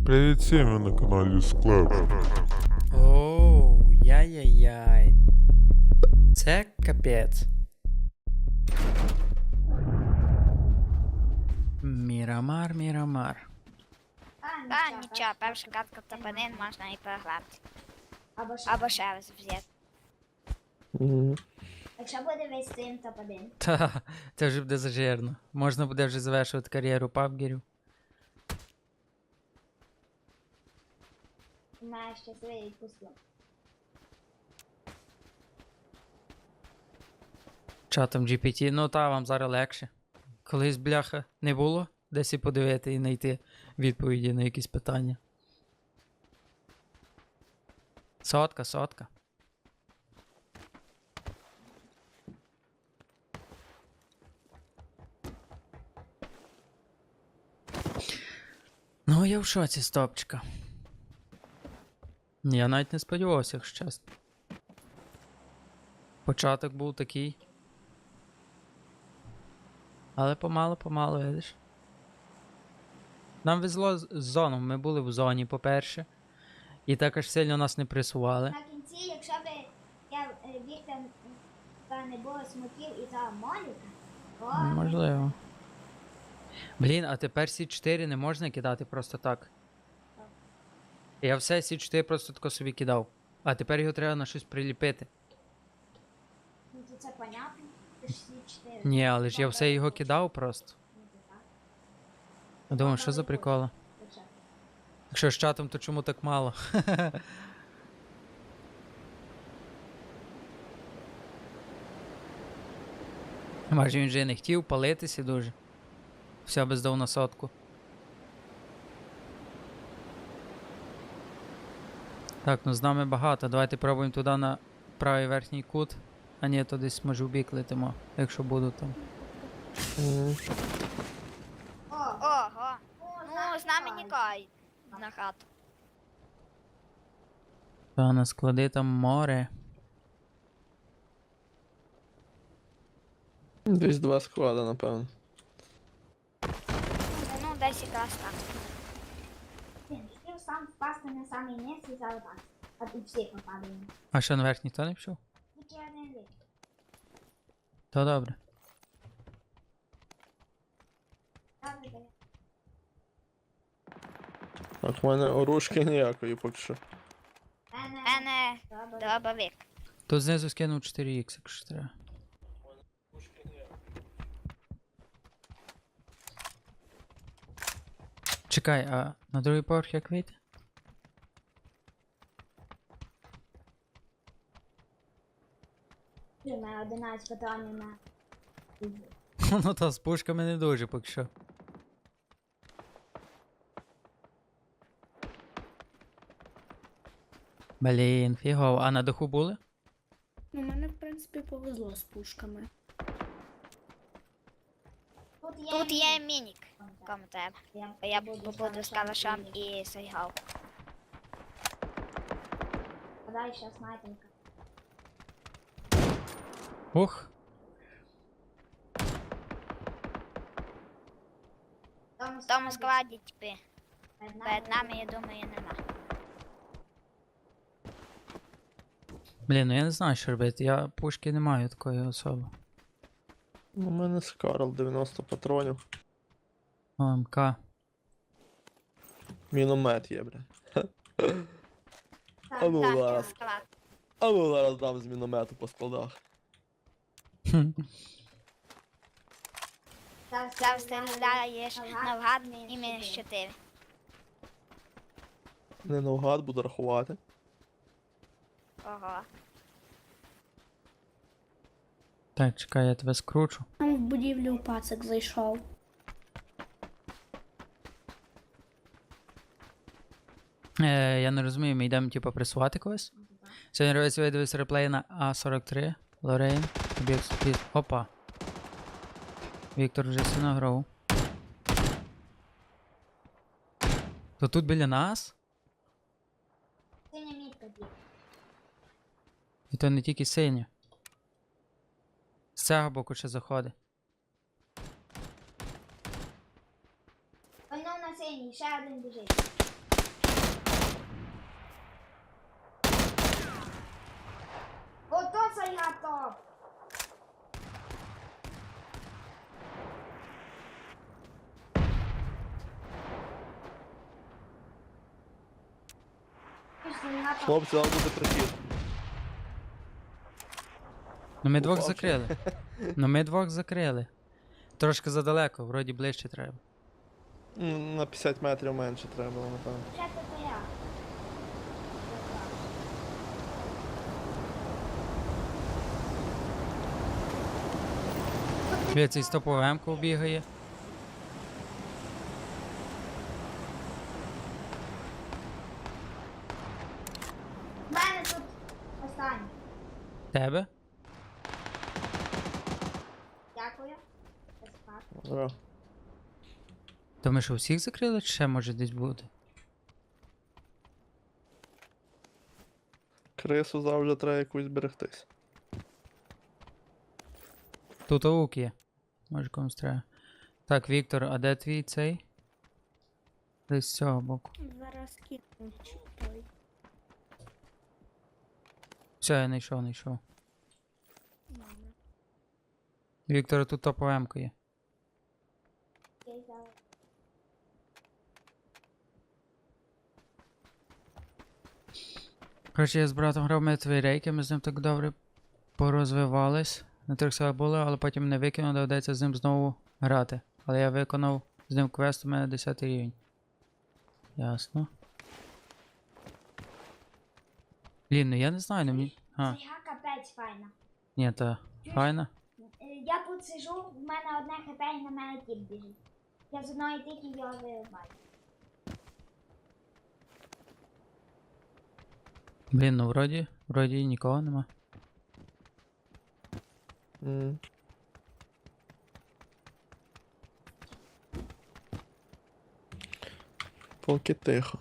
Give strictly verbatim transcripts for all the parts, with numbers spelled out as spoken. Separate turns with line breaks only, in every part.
Привіт всім, ви на каналі Склеп.
Оу, яй-яй-яй. Це капець. Мірамар, Мірамар.
Та нічого, перша катка топ-один можна і програти.
Або ж.
Або ще раз взяти.
Мгм.
Якщо буде весь стрім топ один.
Та, це вже буде зажирно. Можна буде вже завершувати кар'єру пабгерів.
Маєш щасливий відпустку.
Чатом джі пі ті, ну та вам зараз легше. Колись, бляха, не було десь і подивити і знайти відповіді на якісь питання. Сотка, сотка. Ну, я в шоці з топчика. Я навіть не сподівався, якщо чесно. Початок був такий. Але помало-помало, видиш. Нам везло з з зоном. Ми були в зоні, по-перше. І так аж сильно нас не пресували.
На кінці, якщо б я е, Віктор та не було смоків і та Моніка, то
Можливо. Блін, а тепер сі чотири не можна кидати просто так. Я все сі чотири просто тако собі кидав. А тепер його треба на щось приліпити.
ну, то це понятно. Це ж всі чотири.
Ні, але ж я все його кидав просто.
Ну, то так.
Я думаю, що за приколи?
То що?
Якщо з чатом, то чому так мало? Може він вже не хотів палитися дуже. Все би здав на сотку. Так, ну з нами багато. Давайте пробуємо туди на правий верхній кут. А ні, то десь може в бік летимо, якщо буду там.
Мгм.
О,
Ого.
о,
Ну, з нами нікай на хату.
Та на склади там море.
Десь два склада, напевно.
Ну, десь якраз так.
Він хотів сам впасти на самий низ і залетати. А тут всі попадаємо.
А що на верхній то не пішов?
Тільки один Віктор.
То добре.
Добре, добре.
Так, в мене оружки ніякої поки що.
Мене.
Мене
Добре.
дробовик.
Тут знизу скинув чотири ікс, якщо треба. Чекай, а на другий поверх як вийти?
У мене одинадцять патронів на.
Ну то з пушками не дуже поки що. Блін, фігово. А на даху були?
Ну, мене, в принципі, повезло з пушками.
Тут є.
Тут є мінік. Кому треба.
Я,
Я буду з калашом і сайгал.
А далі ще снайпінка.
Ух,
Тому
В тому складі, типи,
перед
перед нами, я думаю, нема.
блін, ну я не знаю, що робити. Я пушки не маю такої особи.
У мене Скарл дев'яносто патронів.
О, МК.
Міномет є, бля.
Так,
А ну
Так,
зараз.
склад.
А ну зараз дам з міномету по складах.
Хм.
зараз
Зараз стріляєш навгад і мінус чотири.
Не навгад буду рахувати.
Ого.
Так, чекай, я тебе скручу.
Там в будівлю пацик зайшов.
Е, я не розумію, ми йдемо типу пресувати когось? Сьогодні робиться видивись реплей на А сорок три. Лорейн. Об'єкт спід. Опа. Віктор вже сильно грав. То тут біля нас?
Синя мітка б'є.
І то не тільки синя. З цього боку ще заходить.
Воно на синій, ще один біжить. Ото це я топ. Пішли на топ.
Хлопці, вам буде прихід.
Ну ми двох
Упав ще.
закрили. Ну ми двох закрили. Трошки задалеко, вроді ближче треба.
М, На п'ятдесят метрів менше треба було, напевно.
Ще то я.
Біля цей стопову М-ку бігає.
В мене тут останній.
Тебе?
Дякую. Безпак.
Здорово.
То ми що, всіх закрили, чи ще може десь буде?
Крису завжди треба якусь берегтись.
Тут аук є. Може комусь треба. Так, Віктор, а де твій цей? Десь з цього боку.
Зараз кину той.
Все, я знайшов, знайшов.
Добре.
Віктора тут топова М-ка є.
Я й зараз.
Коротше, я з братом грав мертві рейки, ми з ним так добре порозвивались. На трьох селах були, але потім не викинув, доведеться з ним знову грати. Але я виконав з ним квест, у мене десятий рівень. Ясно. Блін, ну я не знаю, ну мені. А,
Це я капець файна.
ні, та файна.
Е, Я тут сижу, в мене одне хп і на мене тіп біжить. Я з одної тільки його вирубаю.
Блін, ну вроді, вроді нікого нема.
М. Поки тихо.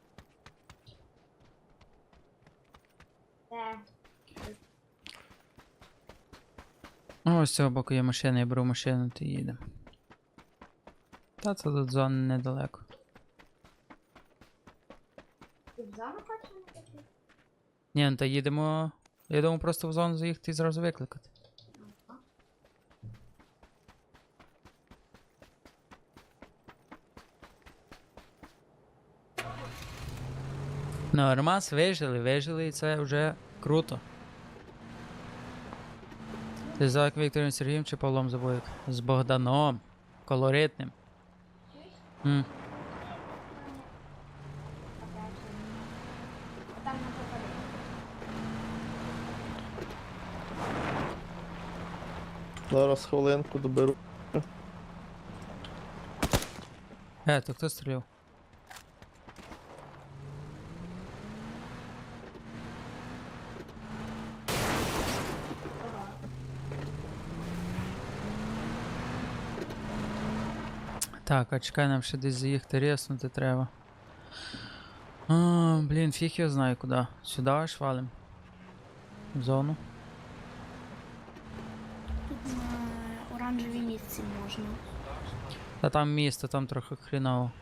Це
О, ось з цього боку є машина, я беру машину, то їдемо. Та це тут зона недалеко.
ти в зону хочеш на такі?
Ні, ну та їдемо. Я думаю, просто в зону заїхати і зразу викликати. Нормас, вижили, вижили, і це вже круто. Ти за як Віктором Сергієм чи Павлом Забоїк? З Богданом. Колоритним. М.
А там на попаде.
Зараз хвилинку доберу.
Е, то хто стріляв? Так, а чекай, нам ще десь заїхати резнути треба. А, блін, фіг я знаю куди. Сюди аж валим. В зону.
Тут на оранжевій місці можна.
Та там місто, там трохи хріново.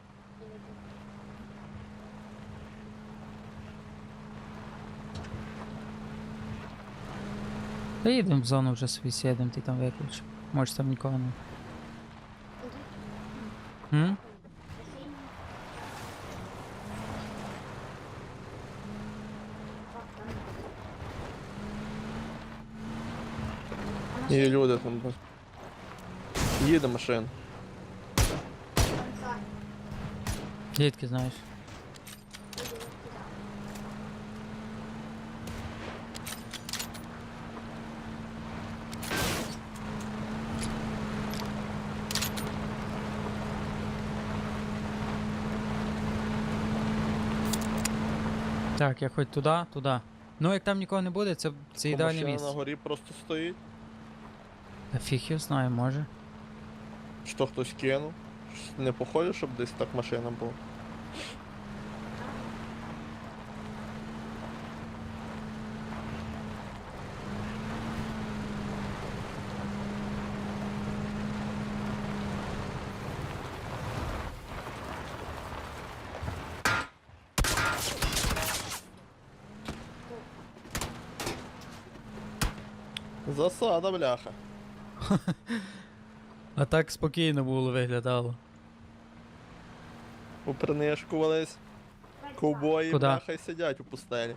Та їдемо в зону вже собі сідемо, ти там виключ. Може там нікого не. М?
І люди там. Їде машина.
Звідки знаєш? Так, я хоч туди, туди. Ну, як там нікого не буде, це, це
Бо
ідеальне
машина
місце.
на горі просто стоїть.
Та фіг його знаю, може.
Що хтось кинув. Щось Не похоже, щоб десь так машина була. Засада, бляха.
А так спокійно було виглядало.
Попринишкувались. Ковбої,
Куда?
бляха, й сидять у пустелі.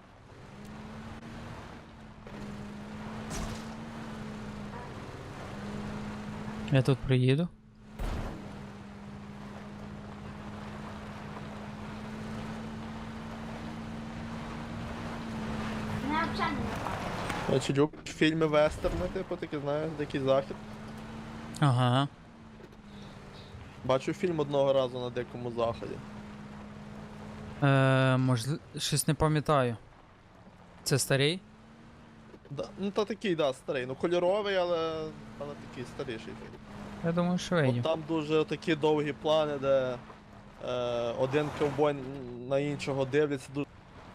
Я тут приїду.
Мене взагалі не нападає.
Значить, люблю фільми вестерни, типу, такі, знаєш, Дикий Захід.
Ага.
Бачу фільм одного разу на Дикому Заході.
Е, можливо, щось не пам'ятаю. Це старий?
Да, ну та такий, да, старий. Ну кольоровий, але, але такий старіший фільм.
Я думаю, що
От
видів.
там дуже такі довгі плани, де е, один ковбой на іншого дивляться. Дуже...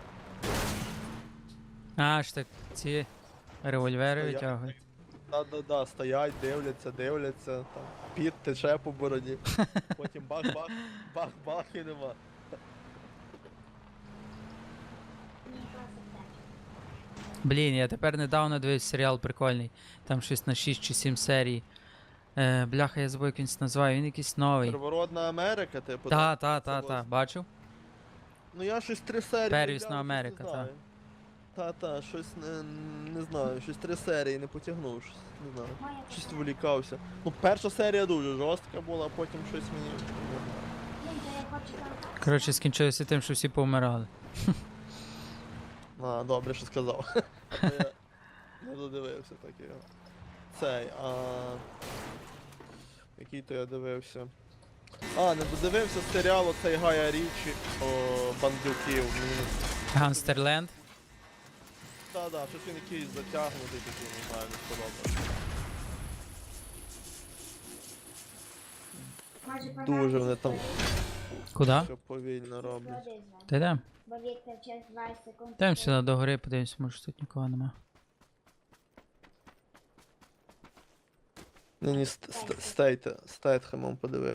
А, ж так, ці револьвери
Стоять.
витягують.
Да-да-да, стоять, дивляться, дивляться, там, піт тече по бороді. Потім бах-бах, бах-бах і нема.
Мені класно вдача.
Блін, я тепер недавно дивився серіал прикольний. Там щось на шість чи сім серій. Е, бляха, я забув, як він це називає, він якийсь новий.
Первородна Америка, типу.
Та,
так?
та,
Це
та,
ось.
та, бачив?
Ну я щось три серії.
Первісна
глянув, щось
Америка,
не
та.
знаю. Та, та, щось не, не знаю, щось три серії не потягнув, щось, не знаю.
Моя
Щось
така.
волікався. Ну, перша серія дуже жорстка була, а потім щось мені. не знаю.
Блін, то я хочу там.
Коротше, скінчилося тим, що всі повмирали.
А, добре, що сказав. А то я не додивився так його. Цей, а. Який то я дивився? А, не додивився серіал оцей Гая Річі о бандюків. Мені
Ганстерленд.
Та, да, щось він якийсь затягнутий такий, не знаю, не сподобався.
Може,
Дуже вони там
Куди?
все повільно роблять.
Ходи з вами.
Та йдем.
Бо Віктор через двадцять секунд.
Йдемо сюди до гори, подивимось, може тут нікого нема.
Ну, ні, ст- ст- стейте, стейтхемом подивив.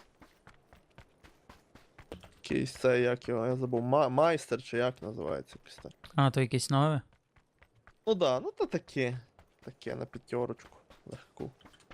Якийсь це, як його, я забув, Ма- майстер чи як називається якось так.
А, то якесь нове?
Ну да, ну то таке. Таке на п'ятерочку. Легку.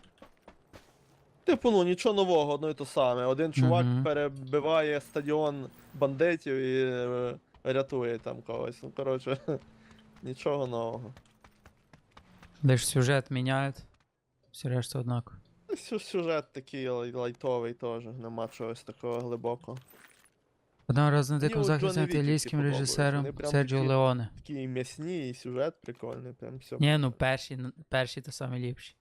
Типу, ну нічого нового, одно і то саме. Один чувак
Мгм.
перебиває стадіон бандитів і е, рятує там когось. Ну, коротше, нічого нового.
Лиш сюжет міняють. Все решта однаково.
Ну, сю- Сюжет такий лай- лайтовий теж, нема чогось такого глибокого.
Одного разу на
Мені
дикому
от
заході
Джонні
знятий
Віки
італійським
подобаються,
режисером
вони прям
Серджіо
такі-
Леоне.
Такі м'ясні, і сюжет прикольний, прям все.
Ні, ну перші, н- перші то самі ліпші.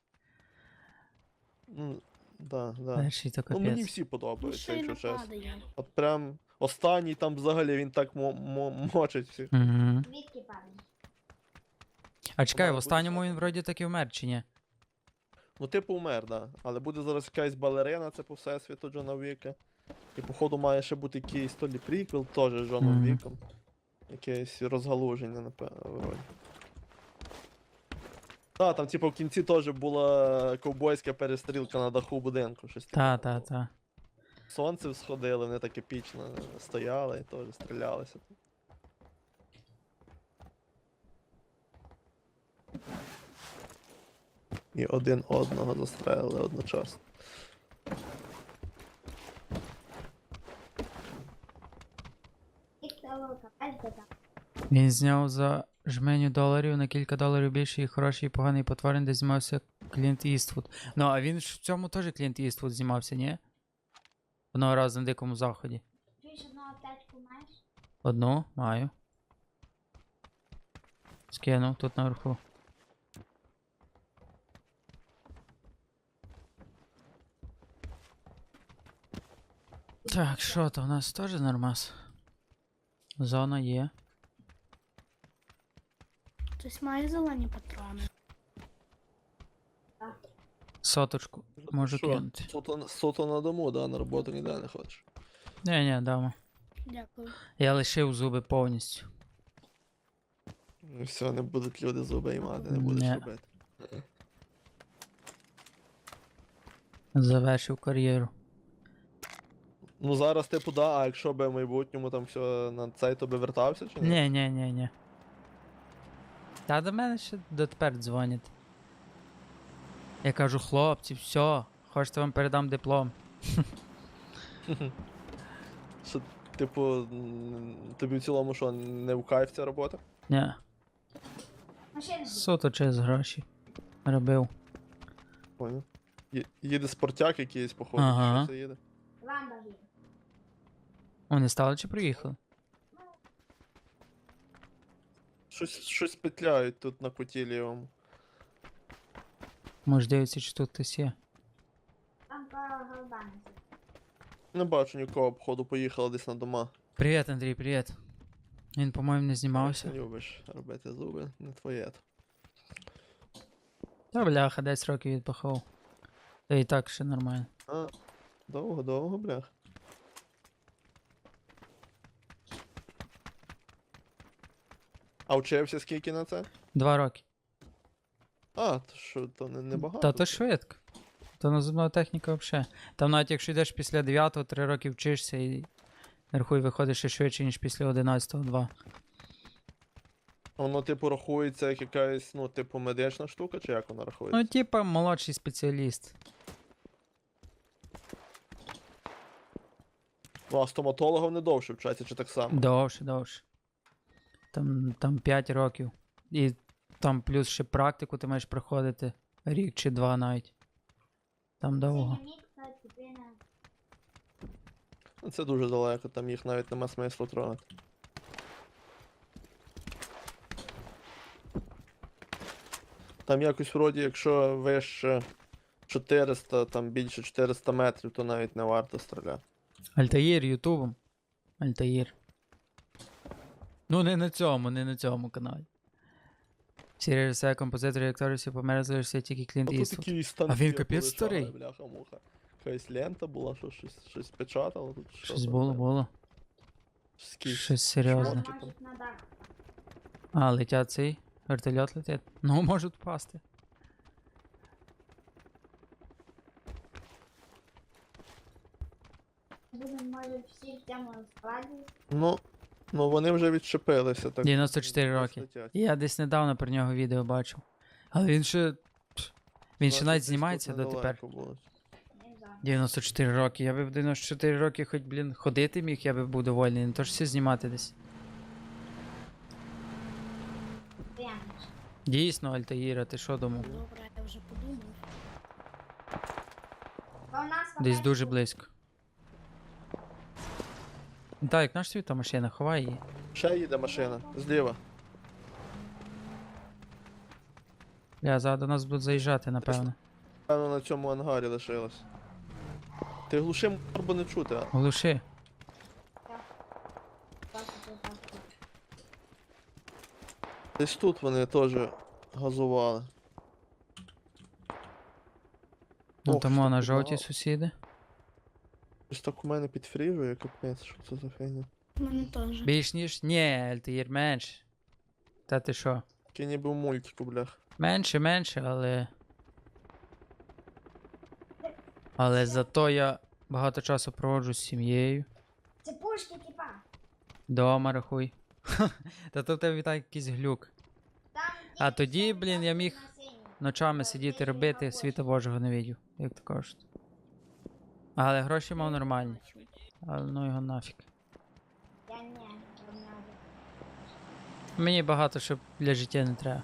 Ну, да, да.
Перші то
Ну мені
капець.
всі
Ну,
подобаються,
ще й
якщо чесно.
нападає.
От прям останній там взагалі він так мо- мо- мочить всіх.
Угу.
Звідки падає?
А чекай, в
Мало
останньому
бути
він вроді таки вмер, чи ні?
Ну, типу умер, да. Але буде зараз якась балерина, це по всесвіту Джона Віка. І походу має ще бути якийсь то лі приквел, теж з Джоном
Мгм.
Віком. Якесь розгалуження, напевно, вроді. Так, там, типу, в кінці теж була ковбойська перестрілка на даху будинку. Щось
Та,
таке
та,
було.
та.
Сонце всходили, вони так епічно стояли і теж стрілялися. І один одного застрелили одночасно.
Віктор Волка, бачите там.
Він зняв за жменю доларів на кілька доларів більше і хороший і поганий потворень, де знімався Клінт Іствуд. Ну, а він ж в цьому теж Клінт Іствуд знімався, ні? Одного разу на дикому заході.
Чуєш, одну аптечку маєш?
Одну маю. Скинув тут наверху. Так, що то у нас теж нормас? Зона є.
Хтось має зелені патрони.
Соточку можу
Що?
кинути.
Суто, суто на дому, да, на роботу ніде не ходиш.
Ні, ні, дамо.
Дякую.
Я лишив зуби повністю.
І все, не будуть люди зуби і мати, не будеш
Не.
робити.
Завершив кар'єру.
Ну зараз типу да, а якщо би в майбутньому там все на цей, то би вертався чи ні?
Ні, ні, ні, ні. Та до мене ще дотепер дзвонять. Я кажу, хлопці, все, хочете вам передам диплом.
Що, типу, м, тобі в цілому що, не в кайф ця робота?
Ні,
Машина.
суто через гроші. Робив.
Поняв. Є- Їде спортяк якийсь, походу,
Ага.
що це їде?
Ламборгіні.
Вони стали чи приїхали?
Щось, щось петляють тут на куті лівому.
Може дивитися, чи тут хтось є.
Там по голубам.
Не бачу нікого, походу, поїхали десь на дома.
Привіт, Андрій, привіт. Він, по-моєму, не знімався.
Не любиш робити зуби, не твоє. то.
Та бляха, десять років відпахав. Та і так ще нормально.
А, довго, довго, блях. А вчився скільки на це?
Два роки.
А, то що, то не, не багато.
Та то швидко. То наземна техніка взагалі. Там навіть якщо йдеш після дев'ятого, три роки вчишся і рахуй, виходиш ще швидше, ніж після одинадцятого, два.
Воно, типу, рахується як якась, ну, типу, медична штука, чи як вона рахується?
Ну, типа, молодший спеціаліст.
Ну, а стоматологів не довше вчаться, чи так само?
Довше, довше. Там, там п'ять років. І там плюс ще практику ти маєш проходити рік чи два навіть. Там довго.
Синьомітка, типина.
Ну, це дуже далеко, там їх навіть нема смислу трогати. Там якось вроді, якщо вище чотириста, там більше чотириста метрів, то навіть не варто стріляти.
Альтаїр ютубом. Альтаїр. Ну, не на цьому, не на цьому каналі. Всі режисери, композитори і актори всі померли, залишився тільки Клінт
А тут
Іствуд.
такі станки
А він капець
полишали,
старий.
Бляха-муха. Якась лента була, що щось, щось печатало тут. що
Щось
там,
було,
блядь?
було.
Скільки?
Щось серйозне.
Шмотки там.
Можуть на дах.
А, летять цей. Вертольот летить. Ну, можуть впасти.
Будемо, може, всі в цьому складі.
Ну, ну вони вже відчепилися. Так,
дев'яносто чотири
десь
роки.
летять.
Я десь недавно про нього відео бачив. Але він ще. пф, Він ще
Значить,
навіть
десь
знімається
тут
дотепер.
недалеко було.
Не знаю.
дев'яносто чотири роки. Я би в дев'яносто чотири роки хоч, блін, ходити міг, я би був довольний. Не то ж все знімати десь.
Прямо.
Дійсно, Альтаїра, ти що думав?
Добре, я вже подумав.
Бо у нас
Десь
хапець
дуже
тут.
близько. Так, як наш світа машина, ховай її.
Ще їде машина, зліва.
Я зараз до нас будуть заїжджати, напевно.
Певно, на цьому ангарі лишилась. Ти глуши, бо не чути, а?
Глуши.
Так, так, так, так.
Десь тут вони теж газували.
Ну
Ох,
тому
що
на
тут
жовті
багато.
сусіди.
Щось так у мене підфріжує, капець, що це за фігня.
У мене теж.
Більш ніж. Ні, Альтаїр менше. Та ти що?
Такий ніби в мультику, блях.
Менше, менше, але. Але зато я багато часу проводжу з сім'єю.
Це пушки, типа.
Дома рахуй. Та то в тебе так якийсь глюк.
Там
А
тільки
тоді,
ще
блін, я міг
на синій.
Ночами сидіти робити, світа Божого не видів, як то кажуть. Але гроші мав нормальні. Але ну його нафіг.
Я не, не надо.
Мені багато що для життя не треба.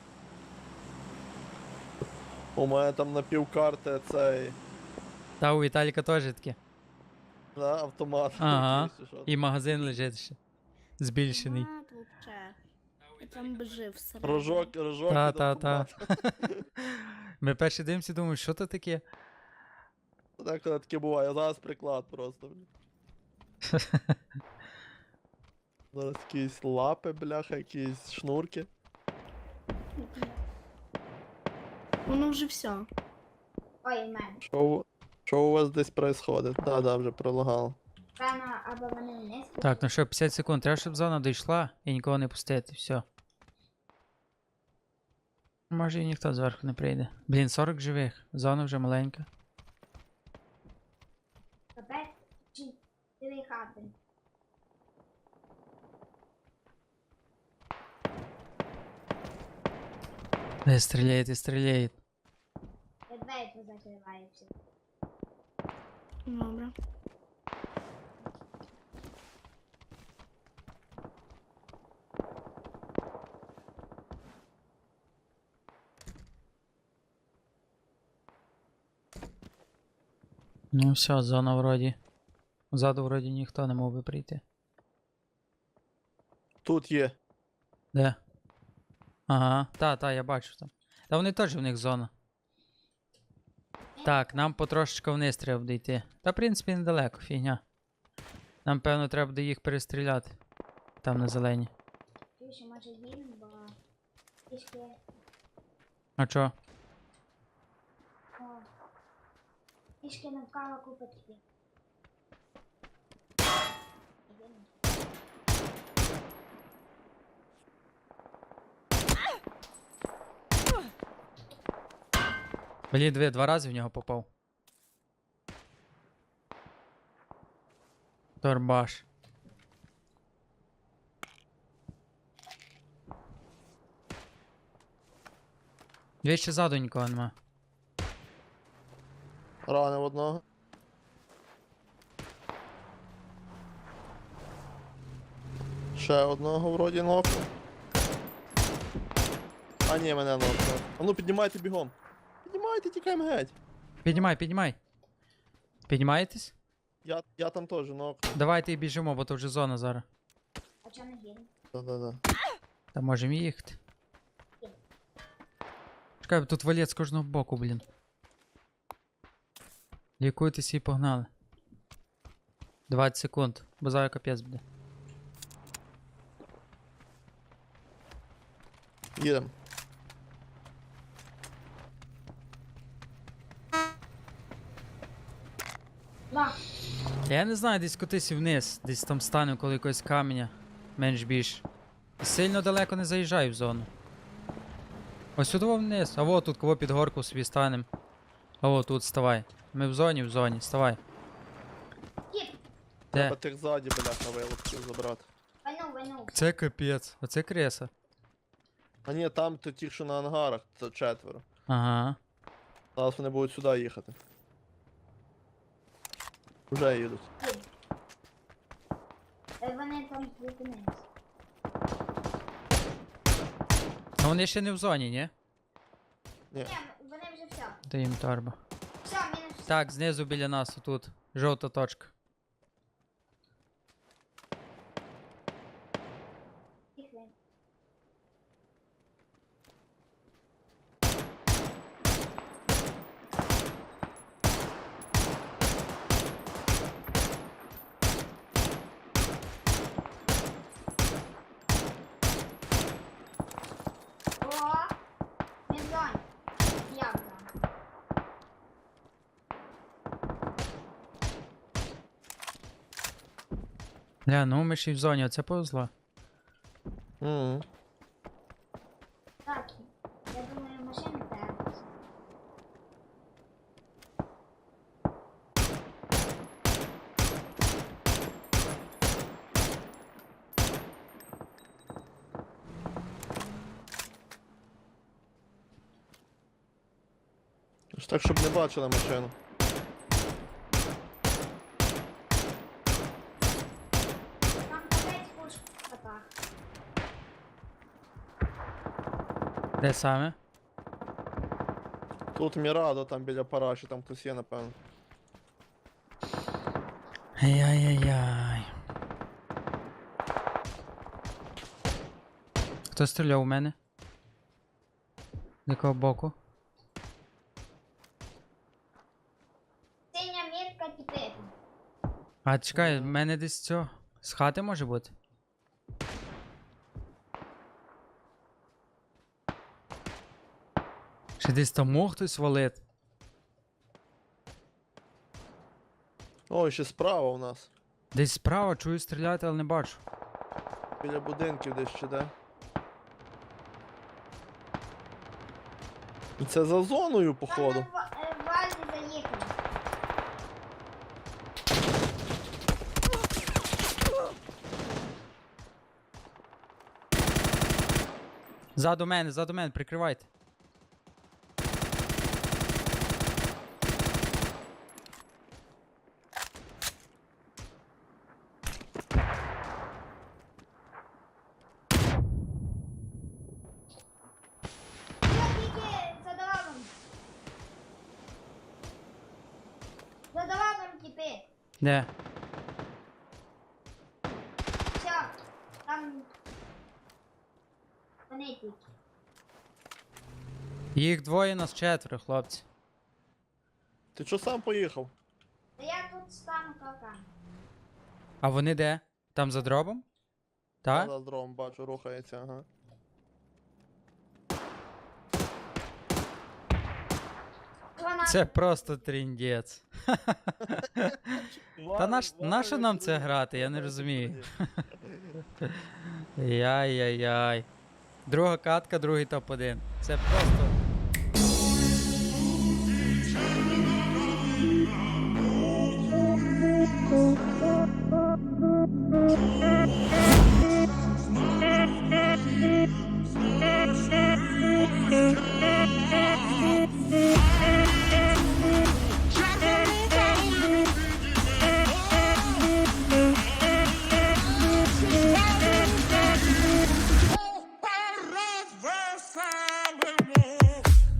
У мене там на півкарти цей
Та у Віталіка теж таке.
на автомат.
Ага.
якийсь, чи що.
І магазин лежить ще. Збільшений.
Автомат вообще. Я там би жив всередині.
Рожок, рожок.
Та,
від
та, та.
автомата.
Ми перші дивимося, думаємо, що то таке?
Так, коли таке буває, зараз приклад просто. блін. Зараз якісь лапи, бляха, якісь шнурки.
Воно вже все.
Ой, в мене.
Що, у- що у вас десь происходит? Да, да, вже пролагало.
Певно, або вони вниз.
Так, ну що, п'ятдесят секунд. Треба, щоб зона дійшла і нікого не пустити. Все. Може і ніхто зверху не прийде. Блін, сорок живих. Зона вже маленька.
Капець, чи три хати.
Не стріляють і стріляють.
Я двері
Ну все, зона вроді. Ззаду вроді ніхто не мог би прийти.
Тут є.
Де? Ага, та, та, я бачу там. Та вони теж в них зона. Так, нам потрошечку вниз треба буде йти. Та, в принципі, недалеко, фігня. Нам, певно, треба буде їх перестріляти. Там на зелені.
Більше може їм, бо трішки
А чо?
о, трішки навколо купа такі.
Блін, дві, два рази в нього попав. Торбаш. Дві ще ззаду нікого нема.
Ранив одного. Ще одного вроді нокнув. А ні, мене нокнув. А ну піднімайте бігом. Піднімайте, тікаємо геть.
Піднімай, піднімай. Піднімаєтесь?
Я, я там теж нокнув.
Давайте і біжимо, бо то вже зона зараз.
А чого не гірно?
Да-да-да.
Та можемо їхати. Чекай, тут валет з кожного боку, блін. Лікуйтесь і погнали. двадцять секунд, бо зараз капець буде.
Їдемо.
На,
Я не знаю, десь котися вниз, десь там стану коло якогось каменя. Менш більш. І сильно далеко не заїжджай в зону. Ось сюди вниз. А во тут кого під горку собі станем. А во тут ставай. Ми в зоні, в зоні, ставай.
кіт,
Де?
Треба тих ззаді, бляха, вилупців забрати.
вайнув, вайнув.
Це капець. Оце креса.
А ні, там то ті, що на ангарах, це четверо.
Ага.
Зараз вони будуть сюди їхати. Вже їдуть.
Кіт. Е, Вони там зупинились.
Ну вони ще не в зоні, ні?
Ні.
Ні, вони вже все.
Та їм торба.
Все, мінус.
Так, знизу біля нас, отут. Жовта точка.
Тихо. О, він в зоні. Я в зоні.
Ля, ну ми ще й в зоні, оце повезло.
Угу.
Так, я думаю, машини треба.
Так, щоб не бачили машину.
Там капець пушка в хатах.
Де саме?
Тут Мірадо, там біля параші, там хтось є, напевно.
Ай-яй-яй-яй. Хто стріляв у мене? З якого боку?
Синя мітка тепер.
А чекай, в мене десь цього. З хати може бути? Чи десь там мог хтось валити?
Ой, ще справа у нас.
Десь справа чую стріляти, але не бачу.
Біля будинків десь ще де. Це за зоною, походу.
Там на ва- е, вазі заїхали.
Ззаду мене, ззаду мене, прикривайте.
Я тільки задавав. Задавав
Де?
Все, там вони тільки.
Їх двоє, нас четверо, хлопці.
Ти чо сам поїхав?
Та я тут стану кака.
А вони де? Там за дробом? Так?
Я за дром бачу, рухається, ага.
Вона
Це просто тріндець. Та наш, нащо нам це грати, я не розумію. Яй-яй-яй. Друга катка, другий топ один. Це просто.
Thank you.